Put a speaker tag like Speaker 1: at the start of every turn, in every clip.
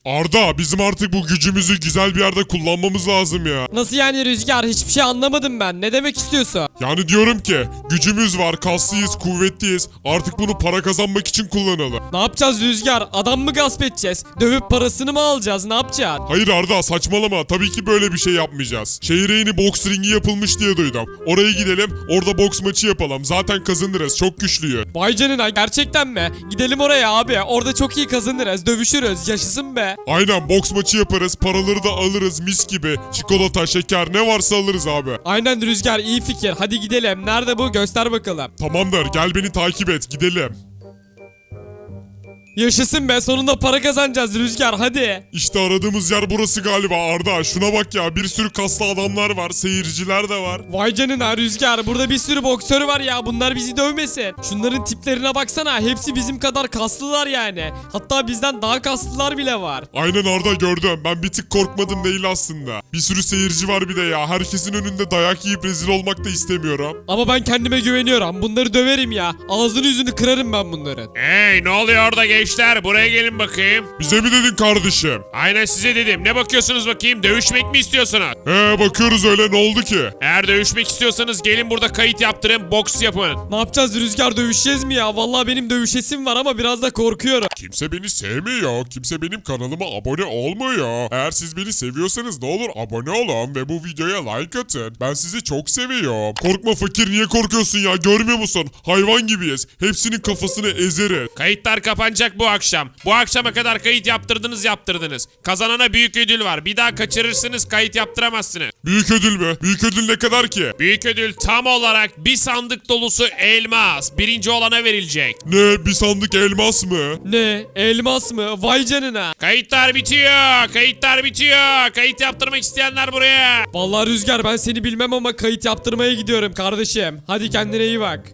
Speaker 1: Arda bizim artık bu gücümüzü güzel bir yerde kullanmamız lazım ya.
Speaker 2: Nasıl yani Rüzgar? Hiçbir şey anlamadım ben. Ne demek istiyorsun?
Speaker 1: Yani diyorum ki gücümüz var, kaslıyız, kuvvetliyiz. Artık bunu para kazanmak için kullanalım.
Speaker 2: Ne yapacağız Rüzgar? Adam mı gasp edeceğiz? Dövüp parasını mı alacağız? Ne yapacağız?
Speaker 1: Hayır Arda saçmalama. Tabii ki böyle bir şey yapmayacağız. Şehire yeni boks ringi yapılmış diye duydum. Oraya gidelim, orada boks maçı yapalım. Zaten kazanırız. Çok güçlüyü.
Speaker 2: Vay canına, gerçekten mi? Gidelim oraya abi. Orada çok iyi kazanırız. Dövüşürüz. Yaşasın be.
Speaker 1: Aynen boks maçı yaparız. Paraları da alırız mis gibi. Çikolata, şeker ne varsa alırız abi.
Speaker 2: Aynen Rüzgar, iyi fikir. Hadi gidelim. Nerede bu? Göster bakalım.
Speaker 1: Tamamdır gel beni takip et gidelim.
Speaker 2: Yaşasın be, sonunda para kazanacağız Rüzgar, hadi.
Speaker 1: İşte aradığımız yer burası galiba Arda. Şuna bak ya bir sürü kaslı adamlar var. Seyirciler de var.
Speaker 2: Vay canına Rüzgar, burada bir sürü boksör var ya, bunlar bizi dövmesin. Şunların tiplerine baksana, hepsi bizim kadar kaslılar yani. Hatta bizden daha kaslılar bile var.
Speaker 1: Aynen Arda gördüm. Ben bir tık korkmadım değil aslında. Bir sürü seyirci var bir de ya. Herkesin önünde dayak yiyip rezil olmak da istemiyorum.
Speaker 2: Ama ben kendime güveniyorum, bunları döverim ya. Ağzını yüzünü kırarım ben bunların.
Speaker 3: Hey ne oluyor orada gençler? Buraya gelin bakayım.
Speaker 1: Bize mi dedin kardeşim?
Speaker 3: Aynen size dedim. Ne bakıyorsunuz bakayım? Dövüşmek mi istiyorsunuz?
Speaker 1: Bakıyoruz öyle ne oldu ki?
Speaker 3: Eğer dövüşmek istiyorsanız gelin burada kayıt yaptırın. Boks yapın.
Speaker 2: Ne yapacağız Rüzgar, dövüşeceğiz mi ya? Vallahi benim dövüşesim var ama biraz da korkuyorum.
Speaker 1: Kimse beni sevmiyor. Kimse benim kanalıma abone olmuyor. Eğer siz beni seviyorsanız ne olur abone olun ve bu videoya like atın. Ben sizi çok seviyorum. Korkma fakir niye korkuyorsun ya? Görmüyor musun? Hayvan gibiyiz. Hepsinin kafasını ezeriz.
Speaker 3: Kayıtlar kapanacak bu akşam. Bu akşama kadar kayıt yaptırdınız. Kazanana büyük ödül var. Bir daha kaçırırsınız kayıt yaptıramazsınız.
Speaker 1: Büyük ödül mü? Büyük ödül ne kadar ki?
Speaker 3: Büyük ödül tam olarak bir sandık dolusu elmas. Birinci olana verilecek.
Speaker 1: Ne? Bir sandık elmas mı?
Speaker 2: Ne? Elmas mı? Vay canına.
Speaker 3: Kayıtlar bitiyor. Kayıtlar bitiyor. Kayıt yaptırmak isteyenler buraya.
Speaker 2: Vallahi Rüzgar, ben seni bilmem ama kayıt yaptırmaya gidiyorum kardeşim. Hadi kendine iyi bak.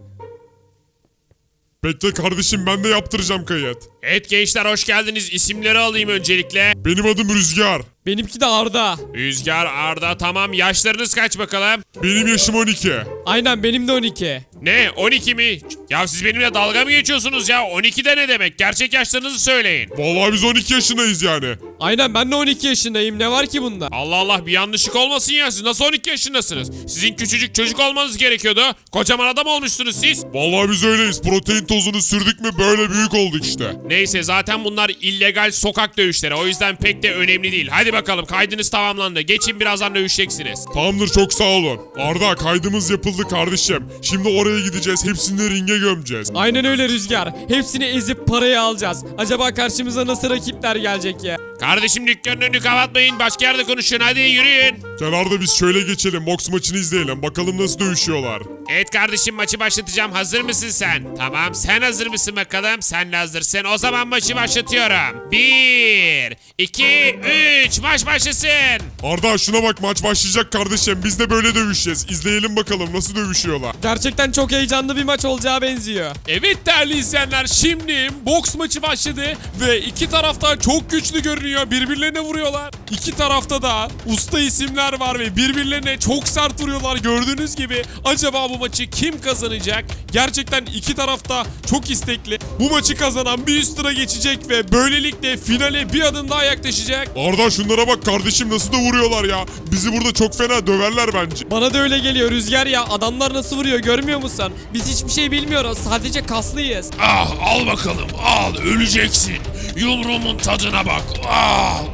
Speaker 1: Bekle kardeşim ben de yaptıracağım kayıt.
Speaker 3: Evet gençler hoş geldiniz. İsimleri alayım öncelikle.
Speaker 1: Benim adım Rüzgar.
Speaker 2: Benimki de Arda.
Speaker 3: Rüzgar, Arda, tamam. Yaşlarınız kaç bakalım?
Speaker 1: Benim yaşım 12.
Speaker 2: Aynen, benim de 12.
Speaker 3: Ne? 12 mi? Ya siz benimle dalga mı geçiyorsunuz ya? 12 de ne demek? Gerçek yaşlarınızı söyleyin.
Speaker 1: Vallahi biz 12 yaşındayız yani.
Speaker 2: Aynen, ben de 12 yaşındayım. Ne var ki bunda?
Speaker 3: Allah Allah bir yanlışlık olmasın ya. Siz nasıl 12 yaşındasınız? Sizin küçücük çocuk olmanız gerekiyordu. Kocaman adam olmuşsunuz siz.
Speaker 1: Vallahi biz öyleyiz. Protein tozunu sürdük mü böyle büyük olduk işte.
Speaker 3: Neyse zaten bunlar illegal sokak dövüşleri. O yüzden pek de önemli değil. Hadi bakalım kaydınız tamamlandı. Geçin birazdan dövüşeceksiniz.
Speaker 1: Tamamdır çok sağ olun. Arda kaydımız yapıldı kardeşim. Şimdi oraya gideceğiz. Hepsini ringe gömeceğiz.
Speaker 2: Aynen öyle Rüzgar. Hepsini ezip parayı alacağız. Acaba karşımıza nasıl rakipler gelecek ya?
Speaker 3: Kardeşim dükkanın önünü kapatmayın. Başka yerde konuşun. Hadi yürüyün.
Speaker 1: Gel Arda biz şöyle geçelim. Boks maçını izleyelim. Bakalım nasıl dövüşüyorlar.
Speaker 3: Evet kardeşim maçı başlatacağım. Hazır mısın sen? Tamam sen hazır mısın bakalım? Sen de hazırsın. O zaman maçı başlatıyorum. 1, 2, 3 maç başlasın.
Speaker 1: Arda şuna bak maç başlayacak kardeşim. Biz de böyle dövüşeceğiz. İzleyelim bakalım nasıl dövüşüyorlar.
Speaker 2: Gerçekten çok heyecanlı bir maç olacağı benziyor.
Speaker 3: Evet değerli izleyenler şimdi boks maçı başladı ve iki tarafta çok güçlü görünüyor. Birbirlerine vuruyorlar. İki tarafta da usta isimler var ve birbirlerine çok sert vuruyorlar gördüğünüz gibi. Acaba bu maçı kim kazanacak? Gerçekten iki tarafta çok istekli. Bu maçı kazanan bir üst tura geçecek ve böylelikle finale bir adım daha yaklaşacak.
Speaker 1: Arda şunlara bak kardeşim nasıl da vuruyorlar ya. Bizi burada çok fena döverler bence.
Speaker 2: Bana da öyle geliyor Rüzgar ya. Adamlar nasıl vuruyor görmüyor musun? Biz hiçbir şey bilmiyoruz. Sadece kaslıyız.
Speaker 3: Ah al bakalım al öleceksin. Yumruğumun tadına bak. Ah,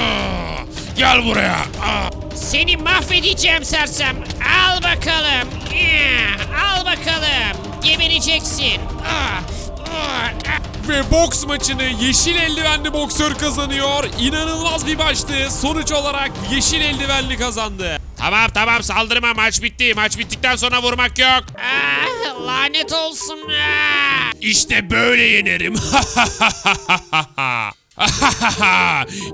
Speaker 3: gel buraya. Ah.
Speaker 4: Seni mahvedeceğim sersem. Al bakalım. Al bakalım. Gebereceksin.
Speaker 3: Ve boks maçını yeşil eldivenli boksör kazanıyor. İnanılmaz bir maçtı. Sonuç olarak yeşil eldivenli kazandı. Tamam saldırma maç bitti. Maç bittikten sonra vurmak yok.
Speaker 4: Lanet olsun.
Speaker 3: İşte böyle yenerim.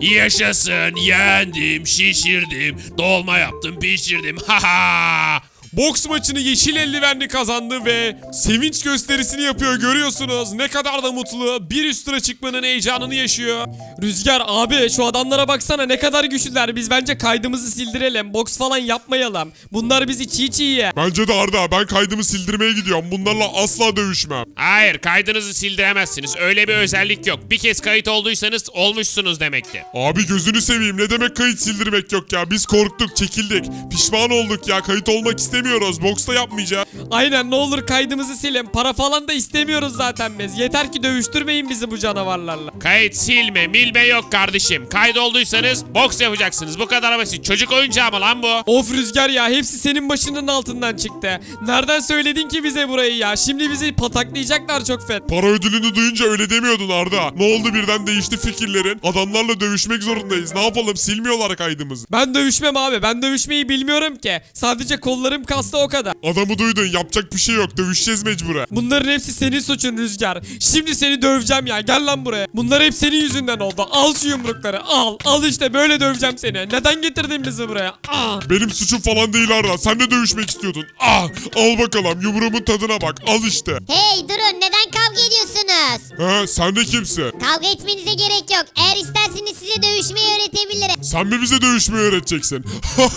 Speaker 3: Yaşasın yendim şişirdim dolma yaptım pişirdim. Boks maçını yeşil eldivenli kazandı ve sevinç gösterisini yapıyor, görüyorsunuz. Ne kadar da mutlu. Bir üst tura çıkmanın heyecanını yaşıyor.
Speaker 2: Rüzgar abi şu adamlara baksana ne kadar güçlüler. Biz bence kaydımızı sildirelim. Boks falan yapmayalım. Bunlar bizi çiğ çiğ yer.
Speaker 1: Bence de Arda, ben kaydımı sildirmeye gidiyorum. Bunlarla asla dövüşmem.
Speaker 4: Hayır, kaydınızı sildiremezsiniz. Öyle bir özellik yok. Bir kez kayıt olduysanız olmuşsunuz demektir.
Speaker 1: Abi gözünü seveyim, ne demek kayıt sildirmek yok ya? Biz korktuk, çekildik. Pişman olduk ya, kayıt olmak istemiyoruz. Boksta yapmayacağız.
Speaker 2: Aynen, ne olur kaydımızı silin. Para falan da istemiyoruz zaten biz. Yeter ki dövüştürmeyin bizi bu canavarlarla.
Speaker 4: Kayıt silme, milme yok kardeşim. Kayıt olduysanız boks yapacaksınız. Bu kadar basit. Çocuk oyuncağı mı lan bu?
Speaker 2: Of Rüzgar ya, hepsi senin başının altından çıktı. Nereden söyledin ki bize burayı ya? Şimdi bizi pataklayacaklar çok fet.
Speaker 1: Para ödülünü duyunca öyle demiyordun Arda. Ne oldu, birden değişti fikirlerin? Adamlarla dövüşmek zorundayız. Ne yapalım, silmiyorlar kaydımızı.
Speaker 2: Ben dövüşmem abi. Ben dövüşmeyi bilmiyorum ki. Sadece kollarım kaslı, o kadar.
Speaker 1: Adamı duydun, yapacak bir şey yok. Dövüşeceğiz mecburen.
Speaker 2: Bunların hepsi senin suçun Rüzgar. Şimdi seni döveceğim ya. Gel lan buraya. Bunlar hep senin yüzünden oldu. Al şu yumrukları. Al. Al işte, böyle döveceğim seni. Neden getirdin bizi buraya?
Speaker 1: Benim suçum falan değil Arda. Sen de dövüşmek istiyordun. Al bakalım, yumruğumun tadına bak. Al işte.
Speaker 5: Hey durun, neden kavga ediyorsunuz?
Speaker 1: Sen de kimsin?
Speaker 5: Kavga etmenize gerek yok. Eğer isterseniz size dövüşmeyi öğretebilirim.
Speaker 1: Sen mi bize dövüşmeyi öğreteceksin?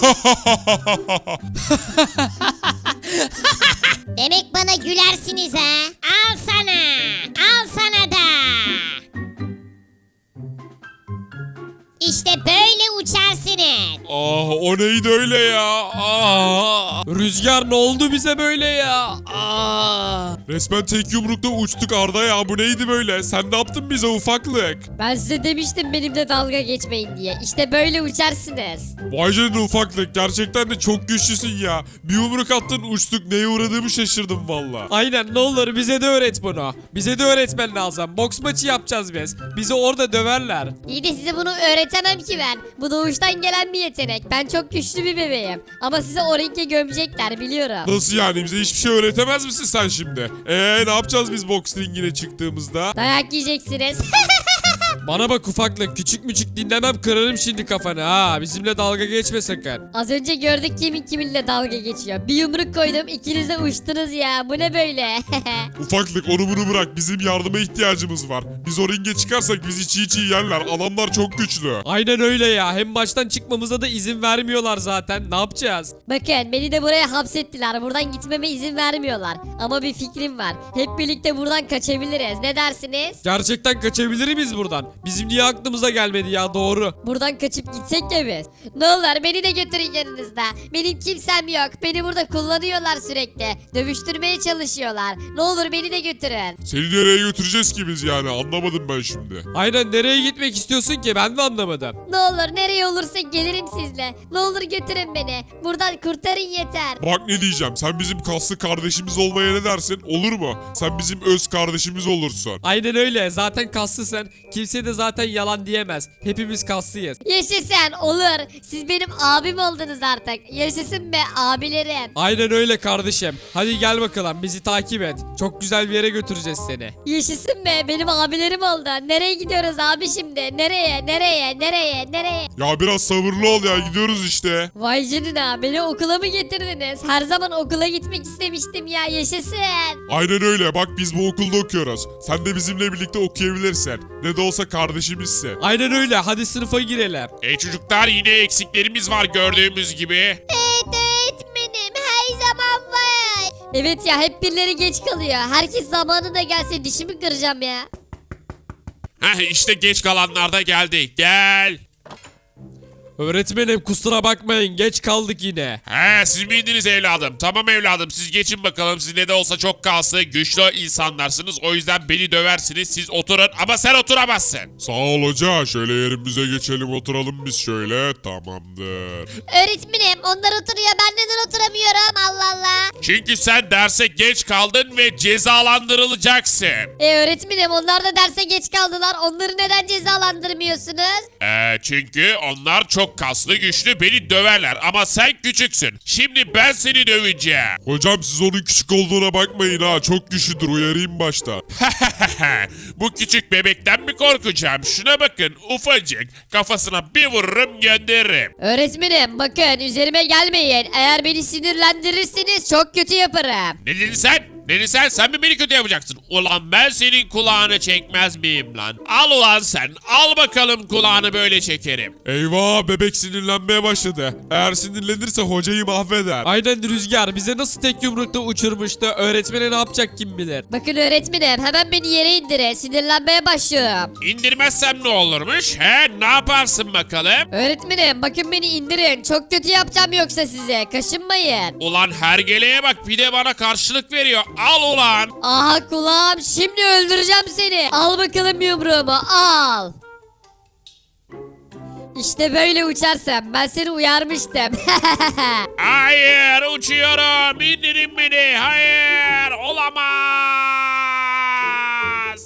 Speaker 5: Demek bana gülersiniz ha? Al sana. Al sana da. İşte böyle uçarsınız.
Speaker 3: O neydi öyle ya?
Speaker 2: Rüzgar, ne oldu bize böyle ya?
Speaker 3: Resmen tek yumrukta uçtuk Arda ya. Bu neydi böyle? Sen ne yaptın bize ufaklık?
Speaker 6: Ben size demiştim benimle dalga geçmeyin diye. İşte böyle uçarsınız.
Speaker 3: Vay canına ufaklık. Gerçekten de çok güçlüsün ya. Bir yumruk attın uçtuk. Neye uğradığımı şaşırdım valla.
Speaker 2: Aynen, ne olur bize de öğret bunu. Bize de öğretmen lazım. Boks maçı yapacağız biz. Bizi orada döverler.
Speaker 6: İyi de size bunu öğretemem ki ben. Bu doğuştan gelen bir yetenek. Ben çok güçlü bir bebeğim. Ama size o ringe gömecekler biliyorum.
Speaker 3: Nasıl yani? Bize hiçbir şey öğretemez misin sen şimdi? Ne yapacağız biz boks ringine çıktığımızda?
Speaker 6: Dayak yiyeceksiniz.
Speaker 2: Bana bak ufaklık, küçük müçük dinlemem, kırarım şimdi kafanı ha. Bizimle dalga geçme sakın.
Speaker 6: Az önce gördük kimin kiminle dalga geçiyor. Bir yumruk koydum, ikiniz de uçtunuz ya. Bu ne böyle?
Speaker 1: Ufaklık, onu bunu bırak. Bizim yardıma ihtiyacımız var. Biz o ringe çıkarsak bizi çiğ çiğ yerler. Adamlar çok güçlü.
Speaker 2: Aynen öyle ya. Hem baştan çıkmamıza da izin vermiyorlar zaten. Ne yapacağız?
Speaker 6: Bakın, beni de buraya hapsettiler. Buradan gitmeme izin vermiyorlar. Ama bir fikrim var. Hep birlikte buradan kaçabiliriz. Ne dersiniz?
Speaker 2: Gerçekten kaçabilir miyiz buradan? Bizim niye aklımıza gelmedi ya, doğru.
Speaker 6: Buradan kaçıp gitsek ya biz. Ne olur beni de götürün yanınızda. Benim kimsem yok. Beni burada kullanıyorlar sürekli. Dövüştürmeye çalışıyorlar. Ne olur beni de götürün.
Speaker 1: Seni nereye götüreceğiz ki biz yani? Anlamadım ben şimdi.
Speaker 2: Aynen, nereye gitmek istiyorsun ki? Ben de anlamadım.
Speaker 6: Ne olur nereye olursa gelirim sizle. Ne olur götürün beni. Buradan kurtarın yeter.
Speaker 1: Bak ne diyeceğim. Sen bizim kaslı kardeşimiz olmaya ne dersin? Olur mu? Sen bizim öz kardeşimiz olursun.
Speaker 2: Aynen öyle. Zaten kaslısın. Kimse de zaten yalan diyemez. Hepimiz kaslıyız.
Speaker 6: Yaşasın olur. Siz benim abim oldunuz artık. Yaşasın be abilerim.
Speaker 2: Aynen öyle kardeşim. Hadi gel bakalım, bizi takip et. Çok güzel bir yere götüreceğiz seni.
Speaker 6: Yaşasın be benim abilerim oldu. Nereye gidiyoruz abi şimdi? Nereye?
Speaker 1: Ya biraz sabırlı ol ya. Gidiyoruz işte.
Speaker 6: Vay canına, beni okula mı getirdiniz? Her zaman okula gitmek istemiştim ya, yaşasın.
Speaker 1: Aynen öyle. Bak biz bu okulda okuyoruz. Sen de bizimle birlikte okuyabilirsin. Ne de olsa kardeşimizsin.
Speaker 2: Aynen öyle. Hadi sınıfa girelim.
Speaker 4: Çocuklar, yine eksiklerimiz var gördüğümüz gibi.
Speaker 5: Evet öğretmenim, her zaman var.
Speaker 6: Evet ya, hep birileri geç kalıyor. Herkes zamanında gelse dişimi kıracağım ya.
Speaker 4: İşte geç kalanlar da geldi. Gel.
Speaker 2: Öğretmenim kusura bakmayın, geç kaldık yine.
Speaker 4: Siz miydiniz evladım? Tamam evladım, siz geçin bakalım. Siz ne de olsa çok kaslı, güçlü insanlarsınız. O yüzden beni döversiniz. Siz oturun ama sen oturamazsın.
Speaker 1: Sağ ol hoca. Şöyle yerimize geçelim, oturalım biz şöyle. Tamamdır.
Speaker 5: Öğretmenim, onlar oturuyor, ben neden oturamıyorum? Allah Allah.
Speaker 4: Çünkü sen derse geç kaldın ve cezalandırılacaksın.
Speaker 6: Öğretmenim, onlar da derse geç kaldılar. Onları neden cezalandırmıyorsunuz?
Speaker 4: Çünkü onlar çok kaslı güçlü beni döverler ama sen küçüksün. Şimdi ben seni döveceğim.
Speaker 1: Hocam siz onun küçük olduğuna bakmayın ha. Çok güçlüdür, uyarayım başta.
Speaker 4: Bu küçük bebekten mi korkacağım? Şuna bakın ufacık. Kafasına bir vururum gönderirim.
Speaker 6: Öğretmenim bakın üzerime gelmeyin. Eğer beni sinirlendirirseniz çok kötü yaparım.
Speaker 4: Ne dedin sen? Ne dedin sen? Sen mi beni kötü yapacaksın? Ulan ben senin kulağını çekmez miyim lan? Al ulan sen. Al bakalım kulağını böyle çekerim.
Speaker 1: Eyvah, bebek sinirlenmeye başladı. Eğer sinirlenirse hocayı mahveder.
Speaker 2: Aynen Rüzgar bize nasıl tek yumrukta uçurmuştu. Öğretmene ne yapacak kim bilir.
Speaker 6: Bakın öğretmenim hemen beni yere indirin. Sinirlenmeye başlıyorum.
Speaker 4: İndirmezsem ne olurmuş? He? Ne yaparsın bakalım?
Speaker 6: Öğretmenim bakın beni indirin. Çok kötü yapacağım yoksa size. Kaşınmayın.
Speaker 4: Ulan hergeleye bak bir de bana karşılık veriyor. Al ulan.
Speaker 6: Aha kulağım şimdi öldüreceğim seni. Al bakalım yumruğumu al. İşte böyle uçarsın. Ben seni uyarmıştım.
Speaker 4: Hayır uçuyorum. İndirin beni. Hayır.